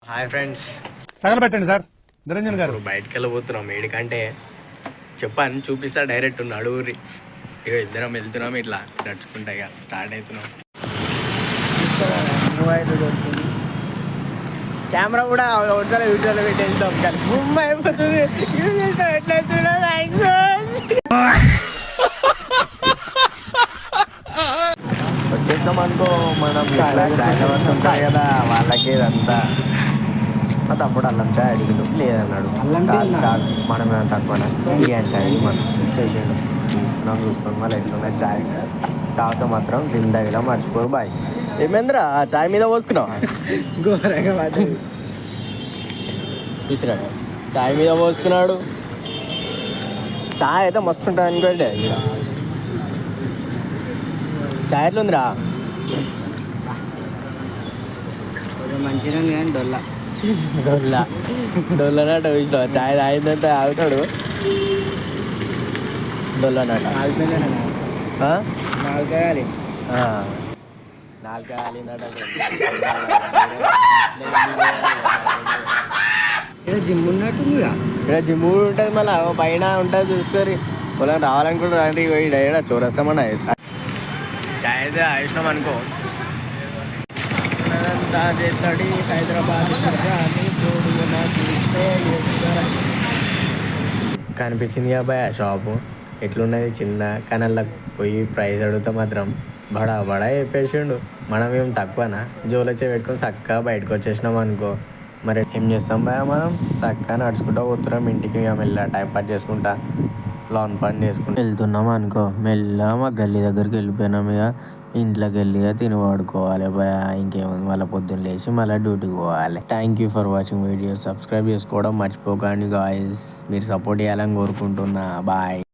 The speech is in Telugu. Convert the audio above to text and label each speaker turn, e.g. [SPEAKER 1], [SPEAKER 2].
[SPEAKER 1] హాయ్ ఫ్రెండ్స్,
[SPEAKER 2] తగలబెట్టండి సార్ నిరంజన్ గారు.
[SPEAKER 1] బయటకు వెళ్ళబోతున్నాం. ఏడికంటే చెప్పాను, చూపిస్తా డైరెక్ట్ నడువురి. ఇక ఇద్దరం వెళ్తున్నాం, ఇట్లా నడుచుకుంటా ఇక స్టార్ట్ అవుతున్నాం. కెమెరా కూడా ఒకసారి యూట్యూబ్లో పెట్టి వెళ్తాం కానీ గుమ్మ అయిపోతుంది. వచ్చేస్తాం అనుకో, మనం చాయ్ ఉంటాయి కదా వాళ్ళకి ఇదంతా. మా తమ్ముడు అల్లం చాయ్ అడిగిండు, లేదన్నాడు. కాదు మనమే తక్కువ బిర్యానీ చాయ్ మనం చేసేడు తీసుకున్నాం. చూసుకుని మళ్ళీ ఎట్లున్నాయి చాయ్ తాగుతా మాత్రం జిందగీలో మర్చిపోరు బాయ్. ఏమేంద్రా ఆ చాయ్ మీద పోసుకున్నావు? చూసిరా చాయ్ మీద పోసుకున్నాడు. చాయ్ అయితే మస్తు ఉంటుంది అనుకోండి. ఇక్కడ చాయ్ ఎట్లుందిరా?
[SPEAKER 3] మంచిగా ఉంది కానీ
[SPEAKER 1] డొల్లనట చూసిన చాయ్ తాగిందంటే ఆగుతాడు. డొల్లనట నాలుగు కాలిందట.
[SPEAKER 3] జిమ్ ఉన్నట్టుంది.
[SPEAKER 1] ఇక్కడ జిమ్ ఉంటుంది, మళ్ళీ పైన ఉంటుంది చూసుకొని. పొలం రావాలనుకుంటారు అంటే డైరెక్ట్ చూరేస్తామన్నా. చాయ్ అయితే ఆయిస్తున్నాం అనుకో. హైదరాబాద్ కనిపించింది అబ్బాయి ఆ షాపు ఎట్లున్నది చిన్న, కానీ అలా పోయి ప్రైస్ అడిగితే మాత్రం బడా బడా చెప్పేసిండు. మనం ఏం తక్కువనా? జోలొచ్చే పెట్టుకొని చక్కగా బయటకు వచ్చేసినాం అనుకో. మరి ఏం చేస్తాం భయ, మనం చక్కగా నడుచుకుంటా పోతున్నాం ఇంటికి. ఇక మెల్ల టైం పాస్ చేసుకుంటా లాన్ పని చేసుకుంటూ వెళ్తున్నాం అనుకో. మెల్లగా మా గల్లీ దగ్గరికి వెళ్ళిపోయినాం. ఇక ఇంట్లోకి వెళ్ళి తిని వాడుకోవాలి భయ. ఇంకేముంది, మళ్ళీ పొద్దున్న లేచి మళ్ళీ డ్యూటీకి పోవాలి. Thank you for watching video. Subscribe చేసుకోవడం మర్చిపోకండి గాయ్స్. మీరు సపోర్ట్ చేయాలని కోరుకుంటున్నా. బాయ్.